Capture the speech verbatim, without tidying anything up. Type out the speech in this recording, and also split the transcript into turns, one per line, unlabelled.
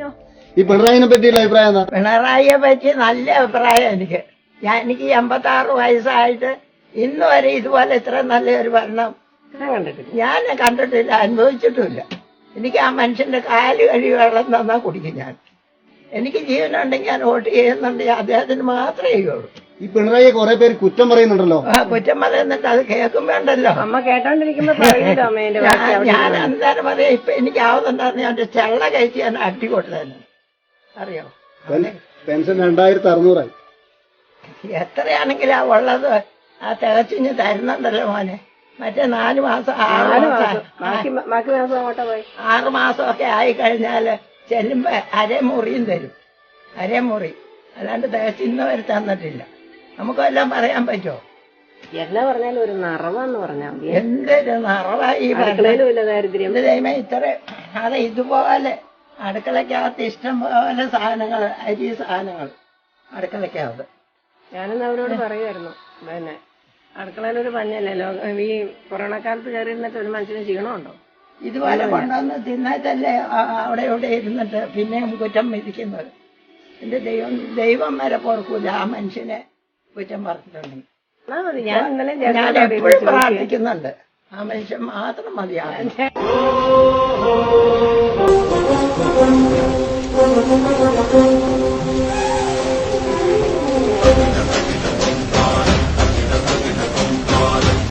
ഈ പിണറായിനെ പറ്റിയുള്ള അഭിപ്രായം എന്താ?
പിണറായിയെ പറ്റി നല്ല അഭിപ്രായം എനിക്ക്. ഞാൻ എനിക്ക് എൺപത്തി ആറ് വയസ്സായിട്ട് ഇന്ന് വരെ ഇതുപോലെ ഇത്ര നല്ലൊരു ഭരണം ഞാൻ കണ്ടിട്ടില്ല, അനുഭവിച്ചിട്ടുമില്ല. എനിക്ക് ആ മനുഷ്യന്റെ കാല് കഴിവ് വെള്ളം തന്നാ കുടിക്കും ഞാൻ. എനിക്ക് ജീവനുണ്ടെങ്കിൽ ഞാൻ വോട്ട് ചെയ്യുന്നുണ്ടെങ്കിൽ അദ്ദേഹത്തിന് മാത്രമേ ചെയ്യുള്ളൂ.
ഈ പിണറായിയെ കുറെ പേര് കുറ്റം പറയുന്നുണ്ടല്ലോ.
ആ കുറ്റം പറയുന്നുണ്ട്, അത് കേൾക്കുമ്പോണ്ടല്ലോ
അമ്മ കേട്ടോണ്ടിരിക്കുമ്പോ
ഞാൻ എന്തായാലും പറയാം. ഇപ്പൊ എനിക്ക് ആവുന്നുണ്ടായിരുന്നു ഞാൻ ചെള്ള കഴിച്ച് ഞാൻ അടി കൊടുത്തന്നെ. അറിയോ,
പെൻഷൻ രണ്ടായിരത്തി അറുന്നൂറായി.
എത്രയാണെങ്കിലും ആ ഉള്ളത് ആ തികച്ചിഞ്ഞ് തരുന്നുണ്ടല്ലോ മോനെ. മറ്റേ നാല് മാസം ആറ് മാസം ആറ് മാസമൊക്കെ ആയി കഴിഞ്ഞാല് ചെല്ലുമ്പോ അരമുറിയും തരും, അരമുറി. അല്ലാണ്ട് തികച്ച് ഇന്ന് വരെ തന്നിട്ടില്ല. നമുക്കെല്ലാം പറയാൻ പറ്റുമോ?
എന്നാ പറഞ്ഞാലും ഒരു നിറവെന്ന് പറഞ്ഞാൽ
എന്തൊരു നിറവായി ദാരിദ്ര്യം ദൈവം ഇത്ര. അത് ഇതുപോലെ അടുക്കളക്കകത്ത് ഇഷ്ടം പോലെ സാധനങ്ങൾ, അരി സാധനങ്ങൾ അടുക്കളക്കകത്ത്.
ഞാനിന്ന് അവരോട് പറയുമായിരുന്നു, പിന്നെ അടുക്കളയിലൊരു പഞ്ഞല്ലല്ലോ ഈ കൊറോണ കാലത്ത് കയറി ഇരുന്നിട്ട് ഒരു മനുഷ്യന് ക്ഷീണമുണ്ടോ?
ഇതുപോലെ കൊണ്ടുവന്ന് തിന്നിട്ടല്ലേ അവിടെ ഇവിടെ ഇരുന്നിട്ട് പിന്നെയും കുറ്റം വിധിക്കുന്നത്. എന്റെ ദൈവം ദൈവം വരെ പൊറുക്കൂല ആ മനുഷ്യനെ കുറ്റം പറഞ്ഞിട്ടുണ്ടെങ്കിൽ.
ഞാൻ ഇന്നലെ
ഞാൻ എപ്പോഴും പ്രാർത്ഥിക്കുന്നുണ്ട്, ആ മനുഷ്യൻ മാത്രം മതിയാകും.